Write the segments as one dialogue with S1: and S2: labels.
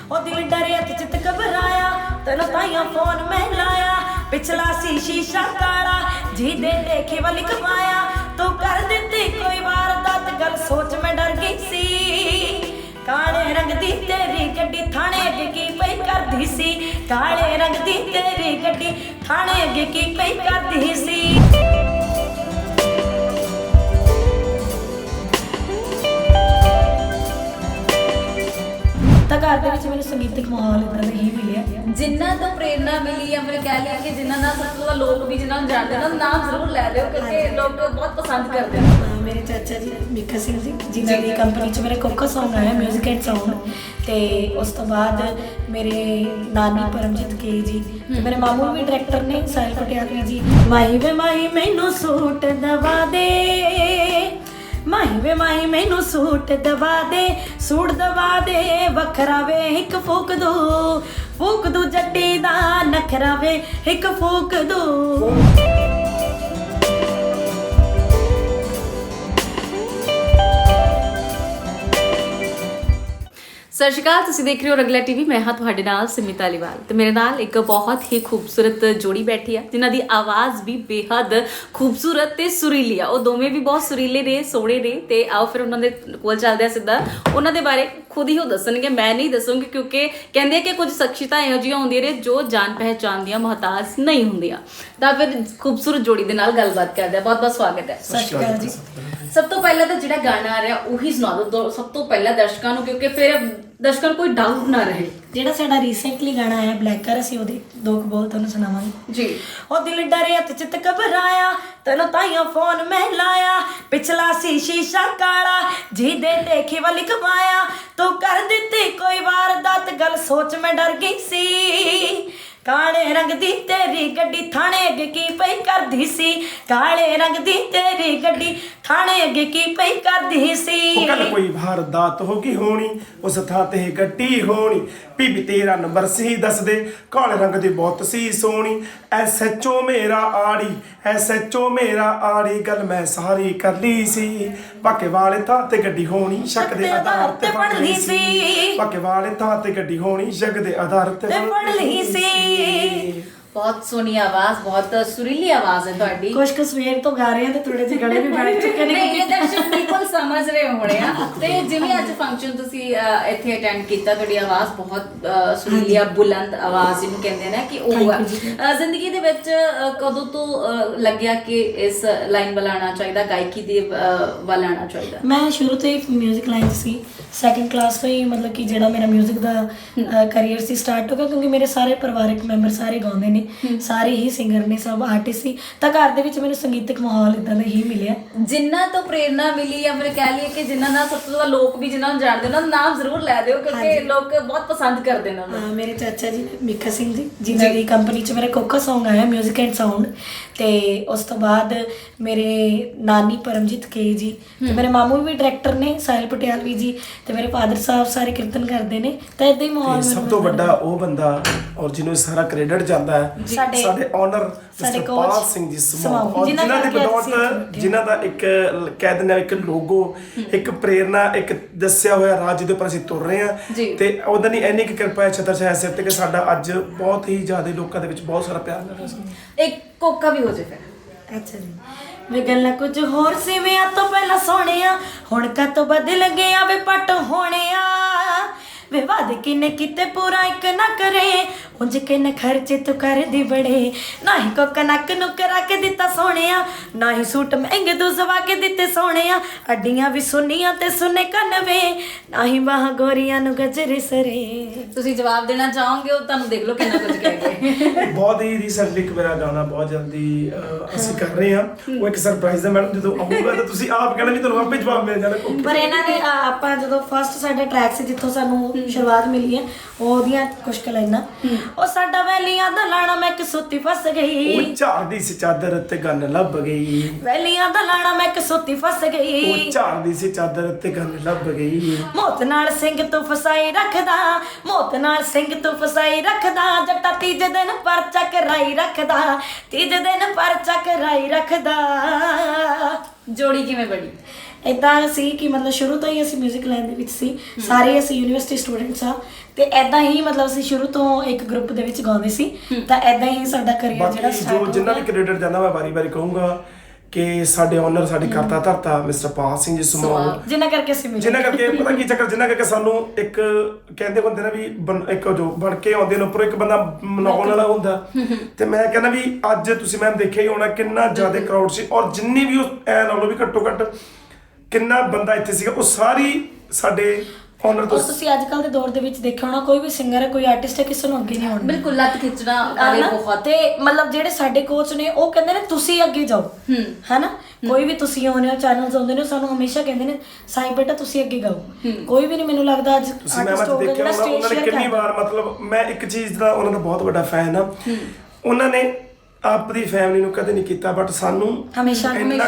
S1: ਉਹ ਦਿਲ ਡਰਿਆ ਤੇ ਚਿੱਤ ਘਬਰਾਇਆ ਤੈਨੂੰ ਤਾਈਆਂ ਫੋਨ ਮੈਂ ਲਾਇਆ ਪਿਛਲਾ ਸੀ ਸ਼ੀਸ਼ਾ ਕਾਲਾ ਜਿਹਦੇ ਦੇਖੇ ਵੱਲ ਕਮਾਇਆ ਤੂੰ ਕਰ ਦਿੱਤੀ ਕੋਈ ਵਾਰਦਾਤ ਗੱਲ ਸੋਚ ਮੈਂ ਡਰ ਗਈ ਸੀ ਕਾਲੇ ਰੰਗ ਦੀ ਤੇਰੀ ਗੱਡੀ ਥਾਣੇ ਅੱਗੇ ਕੀ ਪਈ ਕਰਦੀ ਸੀ ਕਾਲੇ ਰੰਗ ਦੀ ਤੇਰੀ ਗੱਡੀ ਥਾਣੇ ਅੱਗੇ ਕੀ ਪਈ ਕਰਦੀ ਸੀ ਤਾਂ ਘਰ ਦੇ ਵਿੱਚ ਮੈਨੂੰ ਸੰਗੀਤਿਕ ਮਾਹੌਲ ਇਦਾਂ ਦਾ ਹੀ ਮਿਲਿਆ
S2: ਜਿਨ੍ਹਾਂ ਤੋਂ ਪ੍ਰੇਰਨਾ ਮਿਲੀ ਜਾਂ ਫਿਰ ਕਹਿ ਲਿਆ ਕਿ ਜਿਨ੍ਹਾਂ ਨਾਲ ਸਭ ਤੋਂ ਜ਼ਿਆਦਾ ਲੋਕ ਵੀ ਜਿਨ੍ਹਾਂ ਨੂੰ ਜਾਣਦੇ ਉਹਨਾਂ ਦਾ ਨਾਮ ਜ਼ਰੂਰ ਲੈ ਲਿਓ ਕਿਉਂਕਿ ਲੋਕ ਬਹੁਤ ਪਸੰਦ ਕਰਦੇ ਨੇ
S1: ਮੇਰੇ ਚਾਚਾ ਜੀ ਮੀਕਾ ਸਿੰਘ ਜੀ ਜਿਨ੍ਹਾਂ ਦੀ ਕੰਪਨੀ 'ਚ ਮੇਰੇ ਕੋਕਾ ਸੌਂਗ ਆਇਆ ਮਿਊਜ਼ਿਕ ਐਂਡ ਸਾਊਂਡ ਤੇ ਉਸ ਤੋਂ ਬਾਅਦ ਮੇਰੇ ਨਾਨੀ ਪਰਮਜੀਤ ਕੇ ਜੀ ਤੇ ਮੇਰੇ ਮਾਮੂ ਵੀ ਡਾਇਰੈਕਟਰ ਨੇ ਸਾਹਿਲ ਪਟਿਆਲਾ ਜੀ ਮਾਈ ਵੇ ਮਾਈ ਮੈਨੂੰ ਸੂਟ ਦਵਾ ਦੇ ਮਾਈ ਵੇ ਮਾਈ ਮੈਨੂੰ ਸੂਟ ਦਵਾ ਦੇ ਵੱਖਰਾ ਵੇ ਇੱਕ ਫੂਕ ਦੂ ਜੱਟੀ ਦਾ ਨਖਰਾ ਵੇ ਇੱਕ ਫੂਕ ਦੂ
S2: ਸਤਿ ਸ਼੍ਰੀ ਅਕਾਲ ਤੁਸੀਂ ਦੇਖ ਰਹੇ ਹੋ ਰੰਗਲਾ ਟੀਵੀ ਮੈਂ ਹਾਂ ਤੁਹਾਡੇ ਨਾਲ ਸਿਮੀ ਧਾਲੀਵਾਲ ਤੇ ਮੇਰੇ ਨਾਲ ਇੱਕ ਬਹੁਤ ਹੀ ਖੂਬਸੂਰਤ ਜੋੜੀ ਬੈਠੀ ਆ ਜਿਨ੍ਹਾਂ ਦੀ ਆਵਾਜ਼ ਵੀ ਬੇਹੱਦ ਖੂਬਸੂਰਤ ਤੇ ਸੁਰੀਲੀ ਆ ਉਹ ਦੋਵੇਂ ਵੀ ਬਹੁਤ ਸੁਰੀਲੇ ਨੇ ਸੋਹਣੇ ਨੇ ਤੇ ਆਓ ਫਿਰ ਉਹਨਾਂ ਦੇ ਕੋਲ ਚੱਲਦੇ ਆ ਸਿੱਧਾ ਉਹਨਾਂ ਦੇ ਬਾਰੇ ਖੁਦ ਹੀ ਉਹ ਦੱਸਣਗੇ ਮੈਂ ਨਹੀਂ ਦੱਸੂਗੀ ਕਿਉਂਕਿ ਕਹਿੰਦੇ ਕਿ ਕੁਝ ਸ਼ਖਸੀਅਤਾਂ ਇਹੋ ਜਿਹੀਆਂ ਹੁੰਦੀਆਂ ਨੇ ਜੋ ਜਾਣ ਪਹਿਚਾਣ ਦੀਆਂ ਮੁਹਤਾਜ ਨਹੀਂ ਹੁੰਦੀਆਂ ਤਾਂ ਫਿਰ ਖੂਬਸੂਰਤ ਜੋੜੀ ਦੇ ਨਾਲ ਗੱਲਬਾਤ ਕਰਦੇ ਆ ਬਹੁਤ ਬਹੁਤ ਸਵਾਗਤ ਹੈ
S1: ਸਤਿ ਸ਼੍ਰੀ ਅਕਾਲ ਜੀ
S2: ਸਭ ਤੋਂ ਪਹਿਲਾਂ ਤਾਂ ਜਿਹੜਾ ਗਾਣਾ ਆ ਰਿਹਾ ਉਹੀ ਸੁਣਾ ਦਿਓ ਸਭ ਤੋਂ ਪਹਿਲਾਂ ਦਰਸ਼ਕਾਂ ਨੂੰ ਕਿਉਂਕਿ ਫਿਰ ਦਰਸ਼ਕਾਂ ਨੂੰ ਕੋਈ ਡਾਊਟ ਨਾ ਰਹੇ
S1: ਜਿਹੜਾ ਸਾਡਾ ਰੀਸੈਂਟਲੀ ਗਾਣਾ ਆਇਆ ਬਲੈਕਰ ਅਸੀਂ ਉਹਦੇ ਦੋ ਕੁ ਬੋਲ ਤੁਹਾਨੂੰ ਸੁਣਾਵਾਂਗੇ
S2: ਜੀ
S1: ਉਹ ਦਿਲ ਡਰਿਆ ਤੇ ਚਿੱਤ ਘਬਰਾਇਆ ਤੈਨੂੰ ਤਾਈਆਂ ਫੋਨ ਮੈਂ ਲਾਇਆ ਪਿਛਲਾ ਸੀ ਸ਼ੀਸ਼ਾ ਕਾਲਾ ਜਿਹਦੇ ਦੇਖੇ ਵੱਲ ਕਮਾਇਆ ਤੂੰ ਕਰ ਦਿੱਤੀ ਕੋਈ ਵਾਰਦਾਤ ਗੱਲ ਸੋਚ ਮੈਂ ਡਰ ਗਈ ਸੀ ਕਾਲੇ ਰੰਗ ਦੀ ਤੇਰੀ ਗੱਡੀ ਥਾਣੇ ਅੱਗੇ ਕੀ ਪਈ ਕਰਦੀ ਸੀ ਕਾਲੇ ਰੰਗ ਦੀ ਤੇਰੀ ਗੱਡੀ ਥਾਣੇ ਅੱਗੇ ਕੀ ਪਈ ਕਰਦੀ ਸੀ
S3: ਉਹ ਕੱਲ ਕੋਈ ਵਾਰਦਾਤ ਹੋ ਗਈ ਹੋਣੀ ਉਸ ਥਾਂ ਤੇ ਗੱਡੀ ਹੋਣੀ ਬੀਬੀ ਤੇਰਾ ਨੰਬਰ ਸੀ ਦੱਸ ਦੇ ਕਾਲੇ ਰੰਗ ਦੀ ਬਹੁਤ ਸੀ ਸੋਹਣੀ ਐਸਐਚਓ ਮੇਰਾ ਆੜੀ ਗੱਲ ਮੈਂ ਸਾਰੀ ਕਰ ਲਈ ਸੀ ਬਾਕੇ ਵਾਲੇ ਥਾਂ ਤੇ ਗੱਡੀ ਹੋਣੀ ਸ਼ੱਕ ਦੇ ਆਧਾਰ ਤੇ ਫੜ ਲਈ ਸੀ ਬਾਕੇ ਵਾਲੇ ਥਾਂ ਤੇ ਗੱਡੀ ਹੋਣੀ ਸ਼ੱਕ ਦੇ ਆਧਾਰ ਤੇ
S1: ਫੜ ਲਈ ਸੀ
S2: ਬਹੁਤ ਸੋਹਣੀ ਆਵਾਜ਼ ਬਹੁਤ ਸੁਰੀਲੀ ਆਵਾਜ਼ ਹੈ ਤੁਹਾਡੀ
S1: ਕੁਝ ਕੁ ਸਵੇਰ ਤੋਂ ਗਾ ਰਹੇ ਆ ਤੇ ਥੋੜੇ ਜਿਹੇ ਗਲੇ ਵੀ ਬਣ ਚੁੱਕੇ ਨੇ
S2: ਨਹੀਂ ਇਹ ਦਰਸ਼ਕ ਬਿਲਕੁਲ ਸਮਝ ਰਹੇ ਹੋਣੇ ਆ ਤੇ ਜਿਵੇਂ ਅੱਜ ਫੰਕਸ਼ਨ ਤੁਸੀਂ ਇੱਥੇ ਅਟੈਂਡ ਕੀਤਾ ਤੁਹਾਡੀ ਆਵਾਜ਼ ਬਹੁਤ ਸੁਰੀਲੀ ਆ ਬੁਲੰਦ ਆਵਾਜ਼ ਜਿਹਨੂੰ ਕਹਿੰਦੇ ਨੇ ਕਿ ਉਹ ਆ ਜ਼ਿੰਦਗੀ ਦੇ ਵਿੱਚ ਕਦੋਂ ਤੋਂ ਲੱਗਿਆ ਕਿ ਇਸ ਲਾਈਨ ਵੱਲ ਆਉਣਾ ਚਾਹੀਦਾ ਗਾਇਕੀ ਦੇ ਵੱਲ ਆਉਣਾ ਚਾਹੀਦਾ
S1: ਮੈਂ ਸ਼ੁਰੂ ਤੋਂ ਹੀ ਮਿਊਜ਼ਿਕ ਲਾਈਨ 'ਚ ਸੀ ਸੈਕੰਡ ਕਲਾਸ ਤੋਂ ਹੀ ਮਤਲਬ ਕਿ ਜਿਹੜਾ ਮੇਰਾ ਮਿਊਜ਼ਿਕ ਦਾ ਕਰੀਅਰ ਸੀ ਸਟਾਰਟ ਹੋ ਗਿਆ ਕਿਉਂਕਿ ਮੇਰੇ ਸਾਰੇ ਪਰਿਵਾਰਕ ਮੈਂਬਰ ਸਾਰੇ ਗਾਉਂਦੇ ਨੇ ਸਾਰੇ ਹੀ ਸਿੰਗਰ ਨੇ ਸਭ ਆਰਟਿਸਟ ਸੀ ਤਾਂ ਘਰ ਦੇ ਵਿੱਚ ਮੈਨੂੰ ਸੰਗੀਤਕ ਮਾਹੌਲ ਇਦਾਂ ਦਾ ਹੀ ਮਿਲਿਆ
S2: ਜਿਨ੍ਹਾਂ ਤੋਂ ਪ੍ਰੇਰਨਾ ਮਿਲੀ ਜਾਂ ਫਿਰ ਕਹਿ ਲਈਏ ਕਿ ਜਿਨ੍ਹਾਂ ਨਾਲ ਸਭ ਤੋਂ ਜ਼ਿਆਦਾ ਲੋਕ ਵੀ ਜਿਨ੍ਹਾਂ ਨੂੰ ਜਾਣਦੇ ਉਹਨਾਂ ਦਾ ਨਾਮ ਜ਼ਰੂਰ ਲੈ ਦਿਓ ਕਿਉਂਕਿ ਲੋਕ ਬਹੁਤ ਪਸੰਦ ਕਰਦੇ ਨੇ ਉਹਨਾਂ ਨੂੰ
S1: ਮੇਰੇ ਚਾਚਾ ਜੀ ਮੀਕਾ ਸਿੰਘ ਜੀ ਜਿਨ੍ਹਾਂ ਦੀ ਕੰਪਨੀ 'ਚ ਮੇਰੇ ਕੋਕਾ ਸੌਂਗ ਆਇਆ ਮਿਊਜ਼ਿਕ ਐਂਡ ਸਾਊਂਡ ਤੇ ਉਸ ਤੋਂ ਬਾਅਦ ਮੇਰੇ ਨਾਨੀ ਪਰਮਜੀਤ ਕੇ ਜੀ ਤੇ ਮੇਰੇ ਮਾਮੂ ਵੀ ਡਾਇਰੈਕਟਰ ਨੇ ਸਾਹਿਲ ਪਟਿਆਲਾ ਜੀ ਤੇ ਮੇਰੇ ਫਾਦਰ ਸਾਹਿਬ ਸਾਰੇ ਕੀਰਤਨ ਕਰਦੇ ਨੇ ਤਾਂ ਇਦਾਂ ਹੀ ਮਾਹੌਲ
S3: ਸਭ ਤੋਂ ਵੱਡਾ ਉਹ ਬੰਦਾ ਔਰ ਜਿਹਨੂੰ ਸਾਰਾ ਕ੍ਰੈਡਿਟ ਜਾਂਦਾ ਹੈ ਸਾਡੇ ਓਨਰ
S1: ਸਾਡੇ
S3: ਪਾਲ ਸਿੰਘ ਜੀ ਸਮੂਹ ਜਿਨ੍ਹਾਂ ਦੀ ਬਦੌਲਤ ਜਿਨ੍ਹਾਂ ਦਾ ਇੱਕ ਕਹਿ ਦਿੰਦੇ ਆ ਇੱਕ ਲੋਗੋ ਇੱਕ ਪ੍ਰੇਰਨਾ ਇੱਕ ਦੱਸਿਆ ਹੋਇਆ ਰਾਹ ਜਿਹਦੇ ਉੱਪਰ ਅਸੀਂ ਤੁਰ ਰਹੇ ਹਾਂ ਤੇ ਉਹਦਾ ਨਹੀਂ ਇੰਨੀ ਕਿਰਪਾ ਹੈ ਛਤਰ ਸਾਹਿਬ ਸਿਰ ਤੇ ਕਿ ਸਾਡਾ ਅੱਜ ਬਹੁਤ ਹੀ ਜ਼ਿਆਦਾ ਲੋਕਾਂ ਦੇ ਵਿੱਚ ਬਹੁਤ ਸਾਰਾ ਪਿਆਰ ਮਿਲ ਰਿਹਾ ਸੀ
S2: ਇੱਕ ਕੋਕਾ ਵੀ ਹੋ ਜੇ ਫਿਰ
S1: ਅੱਛਾ ਜੀ ਵੇ ਗੱਲਾਂ ਕੁਝ ਹੋਰ ਸੀ ਵਿਆਹ ਤੋਂ ਪਹਿਲਾਂ ਸੋਹਣਿਆ ਹੁਣ ਕਾ ਤੋਂ ਬਦਲ ਗਿਆ ਵੇ ਪੱਟ ਹੋਣਿਆ ਵੇ ਵਾਦ ਕਿਨੇ ਕਿਤੇ ਪੂਰਾ ਇੱਕ ਨਾ ਕਰੇ ਉਂਝ ਕਿਨੇ ਖਰਚੇ ਤੂੰ ਕਰਦੀ ਬੜੇ ਨਾ ਹੀ ਕੋ ਕਨਕ ਨੂੰ ਕਰਾ ਕੇ ਦਿੱਤਾ ਸੋਹਣਿਆ ਨਾ ਹੀ ਸੂਟ ਮਹਿੰਗੇ ਤੂੰ ਸਵਾ ਕੇ ਦਿੱਤੇ ਸੋਹਣਿਆ ਅੱਡੀਆਂ ਵੀ ਸੁਨੀਆਂ ਤੇ ਸੁਨੇ ਕੰਨਵੇ ਨਾ ਹੀ ਬਾਹਾਂ ਗੋਰੀਆਂ ਨੂੰ ਗਜਰੇ ਸਰੇ
S2: ਤੁਸੀਂ ਜਵਾਬ ਦੇਣਾ ਚਾਹੋਗੇ ਉਹ ਤੁਹਾਨੂੰ ਦੇਖ ਲਓ ਕਿੰਨਾ ਕੁਝ ਕਹਿ ਗਏ
S3: ਬਹੁਤ ਹੀ ਰੀਸੈਂਟਲੀ ਇੱਕ ਮੇਰਾ ਗਾਣਾ ਬਹੁਤ ਜਲਦੀ ਅਸੀਂ ਕਰ ਰਹੇ ਹਾਂ ਉਹ ਇੱਕ ਸਰਪ੍ਰਾਈਜ਼ ਹੈ ਮੈਡਮ ਜਦੋਂ ਆਊਗਾ ਤਾਂ ਤੁਸੀਂ ਆਪ ਕਹਿਣਾ ਵੀ ਤੁਹਾਨੂੰ ਆਪੇ ਜਵਾਬ ਮਿਲ ਜਾਣਾ
S1: ਪਰ ਇਹਨਾਂ ਨੇ ਆਪਾਂ ਜਦੋਂ ਫਸਟ ਸਾਡਾ ਟਰੈਕ ਸੀ ਜਿੱਥੋਂ ਸਾਨੂੰ ਸ਼ੁਰੂਆਤ ਮਿਲੀ ਹੈ ਉਹਦੀਆਂ ਕੁਝ ਕੁ ਲਾਈਨਾਂ ਉਹ ਸਾਡਾ ਵੈਲੀਆਂ ਦਾ ਲਾਣਾ ਮੈਂ ਕਸੂਤੀ ਫਸ ਗਈ
S3: ਉਹ ਝਾੜਦੀ ਸੀ ਚਾਦਰ ਤੇ ਗੰਨ ਲੱਭ ਗਈ
S1: ਵੈਲੀਆਂ ਦਾ ਲਾਣਾ ਮੈਂ ਕਸੂਤੀ ਫਸ ਗਈ
S3: ਉਹ ਝਾੜਦੀ ਸੀ ਚਾਦਰ ਤੇ ਗੰਨ ਲੱਭ ਗਈ
S1: ਮੌਤ ਨਾਲ ਸਿੰਘ ਤੋਂ ਫਸਾਈ ਰੱਖਦਾ ਮੌਤ ਨਾਲ ਸਿੰਘ ਤੋਂ ਫਸਾਈ ਰੱਖਦਾ ਜੱਟਾ ਤੀਜੇ ਦਿਨ ਪਰਚਾ ਕਰਾਈ ਰੱਖਦਾ ਤੀਜੇ ਦਿਨ ਪਰਚਾ ਕਰਾਈ ਰੱਖਦਾ
S2: ਜੋੜੀ ਕਿਵੇਂ ਬਣੀ
S1: ਇਦਾਂ ਸੀ ਕਿ ਮਤਲਬ ਸ਼ੁਰੂ ਤੋਂ ਹੀ ਅਸੀਂ ਮਿਊਜ਼ਿਕ ਲਾਈਨ ਦੇ ਵਿੱਚ ਸੀ ਸਾਰੇ ਅਸੀਂ ਯੂਨੀਵਰਸਿਟੀ ਸਟੂਡੈਂਟਸ ਆ ਤੇ ਐਦਾਂ ਹੀ ਮਤਲਬ ਅਸੀਂ ਸ਼ੁਰੂ ਤੋਂ ਇੱਕ ਗਰੁੱਪ ਦੇ ਵਿੱਚ ਗਾਉਂਦੇ ਸੀ ਤਾਂ ਐਦਾਂ ਹੀ ਸਾਡਾ ਕਰੀਅਰ ਜਿਹੜਾ
S3: ਬਾਕੀ
S1: ਸਟਾਰਟ
S3: ਜੋ ਜਿੰਨਾ ਵੀ ਕ੍ਰੈਡਿਟ ਜਾਂਦਾ ਮੈਂ ਵਾਰੀ-ਵਾਰੀ ਕਹੂੰਗਾ ਕਿ ਸਾਡੇ ਓਨਰ ਸਾਡੇ ਕਰਤਾ ਧਰਤਾ ਮਿਸਟਰ ਪਾਲ ਸਿੰਘ ਜੀ ਸਮਾਲ,
S1: ਜਿੰਨਾ ਕਰਕੇ ਅਸੀਂ ਮਿਲੇ,
S3: ਜਿੰਨਾ ਕਰਕੇ ਪਤਾ ਕੀ ਚੱਕਰ, ਜਿੰਨਾ ਕਰਕੇ ਸਾਨੂੰ ਇੱਕ ਕਹਿੰਦੇ ਹੁੰਦੇ ਨਾ ਵੀ ਇੱਕ ਜੋ ਬਣ ਕੇ ਆਉਂਦੇ ਨੇ ਉੱਪਰ ਇੱਕ ਬੰਦਾ ਮਨਾਉਣ ਵਾਲਾ ਹੁੰਦਾ, ਤੇ ਮੈਂ ਕਹਿੰਦਾ ਵੀ ਅੱਜ ਤੁਸੀਂ ਮੈਂ ਦੇਖਿਆ ਹੀ ਹੋਣਾ ਕਿੰਨਾ ਜ਼ਿਆਦਾ ਕਰਾਊਡ ਸੀ, ਔਰ ਜਿੰਨੀ ਵੀ ਉਹ ਐ ਨਾਲੋਂ ਵੀ ਘੱਟੋ ਘੱਟ ਕਿੰਨਾ ਬੰਦਾ ਇੱਥੇ ਸੀਗਾ, ਉਹ ਸਾਰੀ ਸਾਡੇ ਓਨਰ ਤੋਂ।
S1: ਤੁਸੀਂ ਅੱਜ ਕੱਲ ਦੇ ਦੌਰ ਦੇ ਵਿੱਚ ਦੇਖਿਆ ਹੋਣਾ ਕੋਈ ਵੀ ਸਿੰਗਰ ਹੈ ਕੋਈ ਆਰਟਿਸਟ ਹੈ ਕਿਸੇ ਨੂੰ ਅੱਗੇ ਨਹੀਂ ਆਉਣਾ,
S2: ਬਿਲਕੁਲ ਲੱਤ ਖਿੱਚਣਾ ਵਾਲੇ ਬਹੁਤ।
S1: ਤੇ ਮਤਲਬ ਜਿਹੜੇ ਸਾਡੇ ਕੋਚ ਨੇ ਉਹ ਕਹਿੰਦੇ ਨੇ ਤੁਸੀਂ ਅੱਗੇ ਜਾਓ, ਹੈਨਾ, ਕੋਈ ਵੀ ਤੁਸੀਂ ਆਉਂਦੇ ਹੋ ਚੈਨਲਸ ਆਉਂਦੇ ਨੇ ਸਾਨੂੰ ਹਮੇਸ਼ਾ ਕਹਿੰਦੇ ਨੇ ਸਾਈਂ ਬੇਟਾ ਤੁਸੀਂ ਅੱਗੇ ਗਾਓ, ਕੋਈ ਵੀ ਨਹੀਂ ਮੈਨੂੰ ਲੱਗਦਾ ਅੱਜ
S3: ਤੁਸੀਂ ਮੈਂ ਦੇਖਿਆ ਉਹਨਾਂ ਨੇ ਕਿੰਨੀ ਵਾਰ, ਮਤਲਬ ਮੈਂ ਇੱਕ ਚੀਜ਼ ਦਾ ਉਹਨਾਂ ਦਾ ਬਹੁਤ ਵੱਡਾ ਫੈਨ ਆ, ਉਹਨਾਂ ਨੇ ਆਪਣੀ ਫੈਮਿਲੀ ਨੂੰ ਕਦੇ ਨਹੀਂ ਕੀਤਾ ਬਟ ਸਾਨੂੰ
S1: ਹਮੇਸ਼ਾ
S2: ਮੈਨੂੰ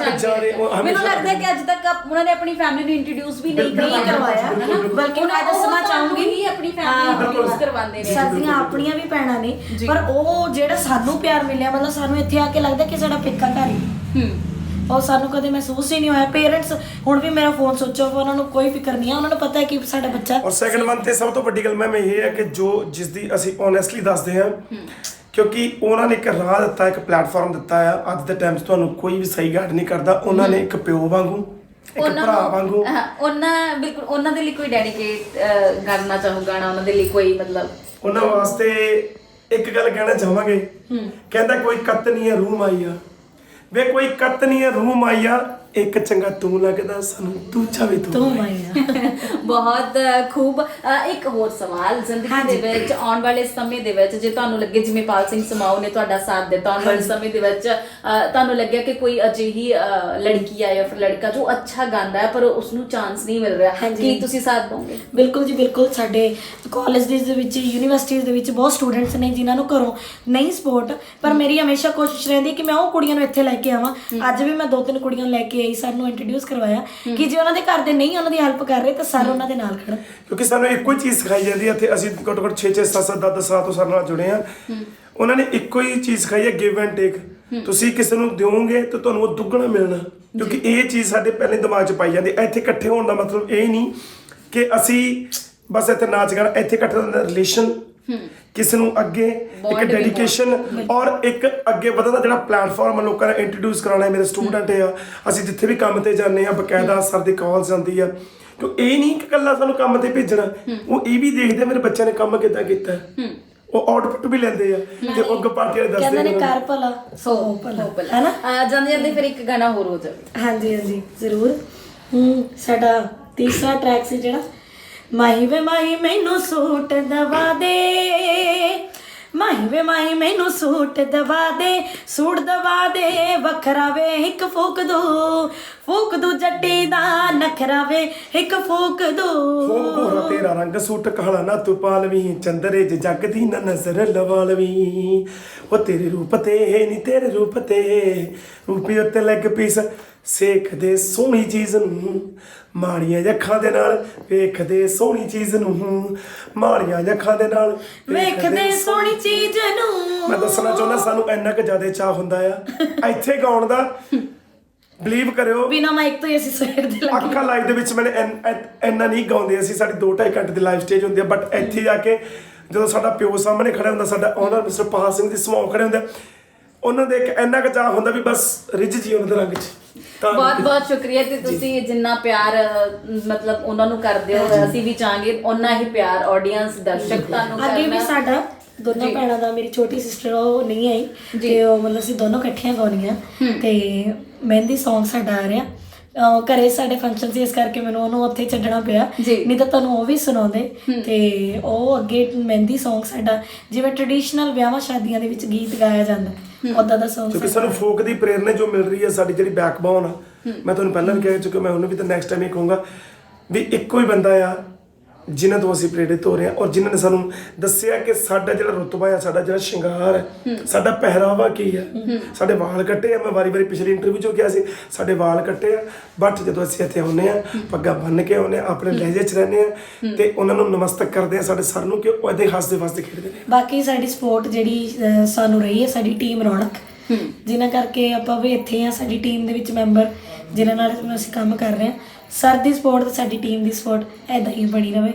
S2: ਲੱਗਦਾ ਕਿ ਅੱਜ ਤੱਕ ਉਹਨਾਂ ਨੇ ਆਪਣੀ ਫੈਮਿਲੀ ਨੂੰ ਇੰਟਰੋਡਿਊਸ ਵੀ ਨਹੀਂ ਕਰਵਾਇਆ,
S1: ਬਲਕਿ ਮੈਂ ਦੱਸਣਾ ਚਾਹੂੰਗੀ
S2: ਹੀ ਆਪਣੀ ਫੈਮਿਲੀ ਨੂੰ ਇੰਟਰੋਡਿਊਸ ਕਰਵਾਉਂਦੇ ਨੇ।
S1: ਸਾਡੀਆਂ ਆਪਣੀਆਂ ਵੀ ਭੈਣਾਂ ਨੇ, ਪਰ ਉਹ ਜਿਹੜਾ ਸਾਨੂੰ ਪਿਆਰ ਮਿਲਿਆ ਮਤਲਬ ਸਾਨੂੰ ਇੱਥੇ ਆ ਕੇ ਲੱਗਦਾ ਕਿ ਸਾਡਾ ਪੇਕਾ ਘਰ ਹੀ, ਉਹ ਸਾਨੂੰ ਕਦੇ ਮਹਿਸੂਸ ਹੀ ਨਹੀਂ ਹੋਇਆ। ਪੇਰੈਂਟਸ ਹੁਣ ਵੀ ਮੇਰਾ ਫੋਨ ਸੋਚੋ, ਉਹਨਾਂ ਨੂੰ ਕੋਈ ਫਿਕਰ ਨਹੀਂ ਹੈ, ਉਹਨਾਂ ਨੂੰ ਪਤਾ ਹੈ ਕਿ ਸਾਡਾ ਬੱਚਾ।
S3: ਔਰ ਸੈਕੰਡ ਮੰਥ ਤੇ ਸਭ ਤੋਂ ਵੱਡੀ ਗੱਲ ਮੈਂ ਇਹ ਹੈ ਕਿ ਜੋ ਜਿਸ ਦੀ ਅਸੀਂ ਓਨੈਸਟਲੀ ਦੱਸਦੇ ਹਾਂ, ਕਿਉਂਕਿ ਉਹਨਾਂ ਨੇ ਇੱਕ ਰਾਹ ਦਿੱਤਾ, ਇੱਕ ਪਲੇਟਫਾਰਮ ਦਿੱਤਾ ਆ। ਅੱਜ ਦੇ ਟਾਈਮ 'ਚ ਤੁਹਾਨੂੰ ਕੋਈ ਵੀ ਸਹੀ ਗਾਈਡ ਨਹੀਂ ਕਰਦਾ, ਉਹਨਾਂ ਨੇ ਇੱਕ ਪਿਓ ਵਾਂਗੂ ਇੱਕ ਭਰਾ ਵਾਂਗੂ
S2: ਬਿਲਕੁਲ ਉਹਨਾਂ ਦੇ ਲਈ ਕੋਈ ਡੈਡੀਕੇਟ ਕਰਨਾ ਚਾਹੂੰ ਗਾਣਾ, ਉਹਨਾਂ ਦੇ ਲਈ ਕੋਈ ਮਤਲਬ
S3: ਉਹਨਾਂ ਵਾਸਤੇ ਇੱਕ ਗੱਲ ਕਹਿਣਾ ਚਾਹਾਂਗੇ, ਕਹਿੰਦਾ ਕੋਈ ਕੱਤ ਨਹੀਂ ਹੈ ਰੂਹ ਮਾਈਆ, ਵੇ ਕੋਈ ਕੱਤ ਨਹੀਂ ਹੈ ਰੂਹ ਮਾਈਆ, ਇੱਕ ਚੰਗਾ ਤੂੰ ਲੱਗਦਾ ਸਾਨੂੰ ਦੂਜਾ ਵੀ ਤੂੰ ਮਾਈਆ।
S2: ਬਹੁਤ ਖੂਬ। ਇੱਕ ਹੋਰ ਸਵਾਲ, ਜ਼ਿੰਦਗੀ ਦੇ ਵਿੱਚ ਆਉਣ ਵਾਲੇ ਸਮੇਂ ਦੇ ਵਿੱਚ ਜੇ ਤੁਹਾਨੂੰ ਲੱਗੇ ਜਿਵੇਂ ਪਾਲ ਸਿੰਘ ਸਮਾਓ ਨੇ ਤੁਹਾਡਾ ਸਾਥ ਦਿੱਤਾ, ਆਉਣ ਵਾਲੇ ਸਮੇਂ ਦੇ ਵਿੱਚ ਤੁਹਾਨੂੰ ਲੱਗਿਆ ਕਿ ਕੋਈ ਅਜਿਹੀ ਲੜਕੀ ਆ ਜਾਂ ਫਿਰ ਲੜਕਾ ਜੋ ਅੱਛਾ ਗਾਉਂਦਾ ਹੈ ਪਰ ਉਸਨੂੰ ਚਾਂਸ ਨਹੀਂ ਮਿਲ ਰਿਹਾ, ਕੀ ਤੁਸੀਂ ਸਾਥ ਦੋਗੇ?
S1: ਬਿਲਕੁਲ ਜੀ ਬਿਲਕੁਲ। ਸਾਡੇ ਕਾਲਜ ਦੇ ਵਿੱਚ ਯੂਨੀਵਰਸਿਟੀਜ਼ ਦੇ ਵਿੱਚ ਬਹੁਤ ਸਟੂਡੈਂਟਸ ਨੇ ਜਿਨ੍ਹਾਂ ਨੂੰ ਘਰੋਂ ਨਹੀਂ ਸਪੋਰਟ, ਪਰ ਮੇਰੀ ਹਮੇਸ਼ਾ ਕੋਸ਼ਿਸ਼ ਰਹਿੰਦੀ ਕਿ ਮੈਂ ਉਹ ਕੁੜੀਆਂ ਨੂੰ ਇੱਥੇ ਲੈ ਕੇ ਆਵਾਂ। ਅੱਜ ਵੀ ਮੈਂ 2-3 ਕੁੜੀਆਂ ਲੈ ਕੇ ਆਈ, ਸਰ ਨੂੰ ਇੰਟਰੋਡਿਊਸ ਕਰਵਾਇਆ ਕਿ ਜੇ ਉਹਨਾਂ ਦੇ ਘਰ ਦੇ ਨਹੀਂ ਉਹਨਾਂ ਦੀ ਹੈਲਪ ਕਰ ਰਹੇ ਤਾਂ ਸਰ ਉਹਨਾਂ ਦੇ ਨਾਲ ਖੜਨ,
S3: ਕਿਉਂਕਿ ਸਾਨੂੰ ਇੱਕੋ ਹੀ ਚੀਜ਼ ਸਿਖਾਈ ਜਾਂਦੀ ਹੈ ਇੱਥੇ। ਅਸੀਂ ਘੱਟੋ ਘੱਟ 6-6 7-7 10 ਸਾਲ ਤੋਂ ਸਰ ਨਾਲ ਜੁੜੇ ਆ। ਉਹਨਾਂ ਨੇ ਇੱਕੋ ਹੀ ਚੀਜ਼ ਸਿਖਾਈ ਹੈ, ਗਿਵ ਐਂਡ ਟੇਕ। ਤੁਸੀਂ ਕਿਸੇ ਨੂੰ ਦਿਓਗੇ ਤਾਂ ਤੁਹਾਨੂੰ ਉਹ ਦੁੱਗਣਾ ਮਿਲਣਾ, ਕਿਉਂਕਿ ਇਹ ਚੀਜ਼ ਸਾਡੇ ਪਹਿਲੇ ਦਿਮਾਗ 'ਚ ਪਾਈ ਜਾਂਦੀ। ਇੱਥੇ ਇਕੱਠੇ ਹੋਣ ਦਾ ਮਤਲਬ ਇਹ ਨਹੀਂ ਕਿ ਅਸੀਂ ਬਸ ਇੱਥੇ ਨਾਚ ਗਾਣਾ, ਇੱਥੇ ਇਕੱਠੇ ਹੋਣ ਦਾ ਰਿਲੇਸ਼ਨ, ਕਿਸੇ ਨੂੰ ਅੱਗੇ ਇੱਕ ਡੈਡੀਕੇਸ਼ਨ ਔਰ ਇੱਕ ਅੱਗੇ ਵਧਣ ਦਾ ਜਿਹੜਾ ਪਲੇਟਫਾਰਮ ਲੋਕਾਂ ਨੂੰ ਇੰਟਰੋਡਿਊਸ ਕਰਾਉਣਾ। ਮੇਰੇ ਸਟੂਡੈਂਟ ਆ, ਅਸੀਂ ਜਿੱਥੇ ਵੀ ਕੰਮ ਤੇ ਜਾਂਦੇ ਆ ਬਕਾਇਦਾ ਸਰ ਦੀ ਕਾਲਸ ਜਾਂਦੀ ਆ, ਕਿਉਂ ਇਹ ਨਹੀਂ ਕਿ ਇਕੱਲਾ ਸਾਨੂੰ ਕੰਮ ਤੇ ਭੇਜਣਾ, ਉਹ ਇਹ ਵੀ ਦੇਖਦੇ ਮੇਰੇ ਬੱਚਿਆਂ ਨੇ ਕੰਮ ਕਿੱਦਾਂ ਕੀਤਾ, ਉਹ ਆਊਟਪੁੱਟ ਵੀ ਲੈਂਦੇ ਆ ਤੇ ਉਹ ਅੱਗੇ ਪਾਰਟੀ ਵਾਲੇ ਦੱਸਦੇ
S1: ਨੇ ਕਰ ਭਲਾ ਸੋ ਭਲਾ, ਹੈਨਾ।
S2: ਜਾਂਦੇ ਜਾਂਦੇ ਫਿਰ ਇੱਕ ਗਾਣਾ ਹੋਰ ਹੋ ਜਾਵੇ।
S1: ਹਾਂਜੀ ਹਾਂਜੀ ਜ਼ਰੂਰ। ਸਾਡਾ ਤੀਸਰਾ ਟਰੈਕ ਸੀ ਜਿਹੜਾ ਮਾਹੀ ਵੇ ਮਾਹੀ ਮੈਨੂੰ ਸੂਟ ਦਵਾ ਦੇ, ਮਾਹੀ ਵੇ ਮਾਹੀ ਮੈਨੂੰ ਸੂਟ ਦਵਾ ਦੇ, ਸੂਟ ਦਵਾ ਦੇ ਵੱਖਰਾ ਵੇ ਇੱਕ ਫੂਕ ਦੋ ਜੱਟੀ ਦਾ ਨਖਰਾ ਵੇ ਇੱਕ ਫੂਕ ਦੋ।
S3: ਗੋਰਾ ਤੇਰਾ ਰੰਗ ਸੂਟ ਕਾਲਾ ਨਾ ਤੂੰ ਪਾਲਵੀਂ, ਚੰਦਰੇ ਜ ਜੱਗ ਦੀ ਨਾ ਨਜ਼ਰ ਲਵਾ ਲਵੀਂ, ਉਹ ਤੇਰੇ ਰੂਪ ਤੇ ਨੀ ਤੇਰੇ ਰੂਪ ਤੇ ਰੂਪੀ ਉੱਤੇ ਲੈਗ ਪੀਸ ਸੇਖਦੇ ਸੋਹਣੀ ਚੀਜ਼ ਨੂੰ, ਮਾੜੀਆਂ ਅੱਖਾਂ ਦੇ ਨਾਲ ਵੇਖਦੇ ਸੋਹਣੀ ਚੀਜ਼ ਨੂੰ, ਮਾੜੀਆਂ ਅੱਖਾਂ ਦੇ ਨਾਲ
S1: ਵੇਖਦੇ ਸੋਹਣੀ ਚੀਜ਼ ਨੂੰ।
S3: ਮੈਂ ਦੱਸਣਾ ਚਾਹੁੰਦਾ ਸਾਨੂੰ ਇੰਨਾ ਕੁ ਜ਼ਿਆਦਾ ਚਾਹ ਹੁੰਦਾ ਆ ਇੱਥੇ ਗਾਉਣ ਦਾ, ਬਲੀਵ ਕਰਿਓ
S1: ਬਿਨਾ ਮਾਈਕ ਤੋਂ ਹੀ ਅਸੀਂ ਸਵੇਰ ਦੇ ਲੱਗੇ
S3: ਅੱਖਾਂ ਲਾਈਵ ਦੇ ਵਿੱਚ ਮੈंने ਇੰਨਾ ਨਹੀਂ ਗਾਉਂਦੇ ਅਸੀਂ, ਸਾਡੀ 2-2.5 ਘੰਟੇ ਦੀ ਲਾਈਵ ਸਟੇਜ ਹੁੰਦੀ ਆ, ਬਟ ਇੱਥੇ ਜਾ ਕੇ ਜਦੋਂ ਸਾਡਾ ਪਿਓ ਸਾਹਮਣੇ ਖੜਾ ਹੁੰਦਾ, ਸਾਡਾ ਓਨਰ ਮਿਸਟਰ ਪਾਲ ਸਿੰਘ ਦੀ ਸਮਾਓ ਖੜੇ ਹੁੰਦੇ, ਉਹਨਾਂ ਦੇ ਇੱਕ ਇੰਨਾ ਕੁ ਚਾਹ ਹੁੰਦਾ ਵੀ ਬਸ ਰਿੱਝ ਜੀ ਉਹਨਾਂ ਦੇ ਰੰਗ 'ਚ।
S2: ਬਹੁਤ ਬਹੁਤ ਸ਼ੁਕਰੀਆ ਤੇ ਤੁਸੀਂ ਜਿੰਨਾ ਪਿਆਰ ਮਤਲਬ ਉਹਨਾਂ ਨੂੰ ਕਰਦੇ ਹੋ, ਅਸੀਂ ਵੀ ਚਾਹਾਂਗੇ ਉਹਨਾਂ ਹੀ ਪਿਆਰ ਆਡੀਅנס ਦਰਸ਼ਕ ਤੁਹਾਨੂੰ ਕਰਨਾ।
S1: ਅੱਗੇ ਵੀ ਸਾਡਾ ਦੋਨੋਂ ਭੈਣਾਂ ਦਾ, ਮੇਰੀ ਛੋਟੀ ਸਿਸਟਰ ਉਹ ਨਹੀਂ ਆਈ ਤੇ ਉਹ ਮਤਲਬ ਅਸੀਂ ਦੋਨੋਂ ਇਕੱਠੀਆਂ ਗਾਉਣੀਆਂ ਤੇ ਮਹਿੰਦੀ ਸੌਂਗ ਸਾਡਾ ਆ ਰਿਹਾ। ਘਰੇ ਸਾਡੇ ਫੰਕਸ਼ਨ ਸੀ ਇਸ ਕਰਕੇ ਮੈਨੂੰ ਉਹਨੂੰ ਉੱਥੇ ਛੱਡਣਾ ਪਿਆ, ਨਹੀਂ ਤਾਂ ਤੁਹਾਨੂੰ ਉਹ ਵੀ ਸੁਣਾਉਂਦੇ। ਤੇ ਉਹ ਅੱਗੇ ਮਹਿੰਦੀ ਸੌਂਗ ਸਾਡਾ ਜਿਵੇਂ ਟ੍ਰੈਡੀਸ਼ਨਲ ਵਿਆਹਾਂ ਸ਼ਾਦੀਆਂ ਦੇ ਵਿੱਚ ਗੀਤ ਗਾਇਆ ਜਾਂਦਾ ਉਦਾਂ ਦਾ ਸੌਂਗ,
S3: ਕਿਉਂਕਿ ਸਾਨੂੰ ਫੋਕ ਦੀ ਪ੍ਰੇਰਨਾ ਜੋ ਮਿਲ ਰਹੀ ਹੈ, ਸਾਡੀ ਜਿਹੜੀ ਬੈਕਬੋਨ ਆ। ਮੈਂ ਤੁਹਾਨੂੰ ਪਹਿਲਾਂ ਵੀ ਕਹਿ ਚੁੱਕਿਆ, ਮੈਂ ਉਹਨੂੰ ਵੀ ਤਾਂ ਨੈਕਸਟ ਟਾਈਮ ਇਹ ਕਹੂੰਗਾ ਵੀ ਇੱਕੋ ਹੀ ਬੰਦਾ ਆ ਜਿਨ੍ਹਾਂ ਤੋਂ ਅਸੀਂ ਪ੍ਰੇਰਿਤ ਹੋ ਰਹੇ ਹਾਂ ਔਰ ਜਿਨ੍ਹਾਂ ਨੇ ਸਾਨੂੰ ਦੱਸਿਆ ਕਿ ਸਾਡਾ ਜਿਹੜਾ ਰੁਤਬਾ ਆ, ਸਾਡਾ ਜਿਹੜਾ ਸ਼ਿੰਗਾਰ ਹੈ, ਸਾਡਾ ਪਹਿਰਾਵਾ ਕੀ ਆ। ਸਾਡੇ ਵਾਲ ਕੱਟੇ ਆ, ਮੈਂ ਵਾਰੀ ਪਿਛਲੀ ਇੰਟਰਵਿਊ 'ਚ ਕਿਹਾ ਸੀ ਸਾਡੇ ਵਾਲ ਕੱਟੇ ਆ, ਬਟ ਜਦੋਂ ਅਸੀਂ ਇੱਥੇ ਆਉਂਦੇ ਆ ਪੱਗਾਂ ਬੰਨ੍ਹ ਕੇ ਆਉਂਦੇ ਆ, ਆਪਣੇ ਲਹਿਜੇ 'ਚ ਰਹਿੰਦੇ ਆ ਤੇ ਉਹਨਾਂ ਨੂੰ ਨਮਸਤਕ ਕਰਦੇ ਆ ਸਾਡੇ ਸਰ ਨੂੰ ਕਿ ਉਹ ਇਹਦੇ ਹੱਸਦੇ ਵਸਦੇ ਖੇਡਦੇ ਨੇ।
S1: ਬਾਕੀ ਸਾਡੀ ਸਪੋਰਟ ਜਿਹੜੀ ਸਾਨੂੰ ਰਹੀ ਹੈ, ਸਾਡੀ ਟੀਮ ਰੌਣਕ, ਜਿਨ੍ਹਾਂ ਕਰਕੇ ਆਪਾਂ ਵੀ ਇੱਥੇ ਆ। ਸਾਡੀ ਟੀਮ ਦੇ ਵਿੱਚ ਮੈਂਬਰ ਜਿਨ੍ਹਾਂ ਨਾਲ ਅਸੀਂ ਕੰਮ ਕਰ ਰਹੇ ਹਾਂ, ਸਰ ਦੀ ਸਪੋਰਟ ਤੇ ਸਾਡੀ ਟੀਮ ਦੀ ਸਪੋਰਟ ਇੱਦਾਂ ਹੀ ਬਣੀ ਰਹੇ।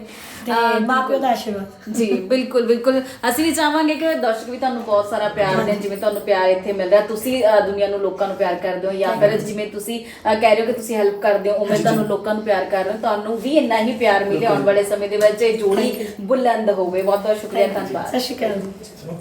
S1: ਤੇ ਮਾਪਿਓ ਦਾ ਆਸ਼ੀਰਵਾਦ।
S2: ਜੀ ਬਿਲਕੁਲ ਬਿਲਕੁਲ, ਅਸੀਂ ਵੀ ਚਾਹਾਂਗੇ ਕਿ ਦਰਸ਼ਕ ਵੀ ਤੁਹਾਨੂੰ ਬਹੁਤ ਸਾਰਾ ਪਿਆਰ ਦੇਣ, ਜਿਵੇਂ ਤੁਹਾਨੂੰ ਪਿਆਰ ਇੱਥੇ ਮਿਲ ਰਿਹਾ, ਤੁਸੀਂ ਦੁਨੀਆ ਨੂੰ, ਲੋਕਾਂ ਨੂੰ ਪਿਆਰ ਕਰਦੇ ਹੋ, ਜਾਂ ਫਿਰ ਜਿਵੇਂ ਤੁਸੀਂ ਕਹਿ ਰਹੇ ਹੋ ਕਿ ਤੁਸੀਂ ਹੈਲਪ ਕਰਦੇ ਹੋ, ਉਵੇਂ ਤੁਹਾਨੂੰ ਲੋਕਾਂ ਨੂੰ ਪਿਆਰ ਕਰ ਰਹੇ ਹੋ, ਤੁਹਾਨੂੰ ਵੀ ਇੰਨਾ ਹੀ ਪਿਆਰ ਮਿਲੇ ਆਉਣ ਵਾਲੇ ਸਮੇਂ ਦੇ ਵਿੱਚ, ਇਹ ਜੋੜੀ ਬੁਲੰਦ ਹੋਵੇ। ਬਹੁਤ ਬਹੁਤ ਸ਼ੁਕਰੀਆ, ਧੰਨਵਾਦ।
S1: ਸਤਿ ਸ਼੍ਰੀ ਅਕਾਲ।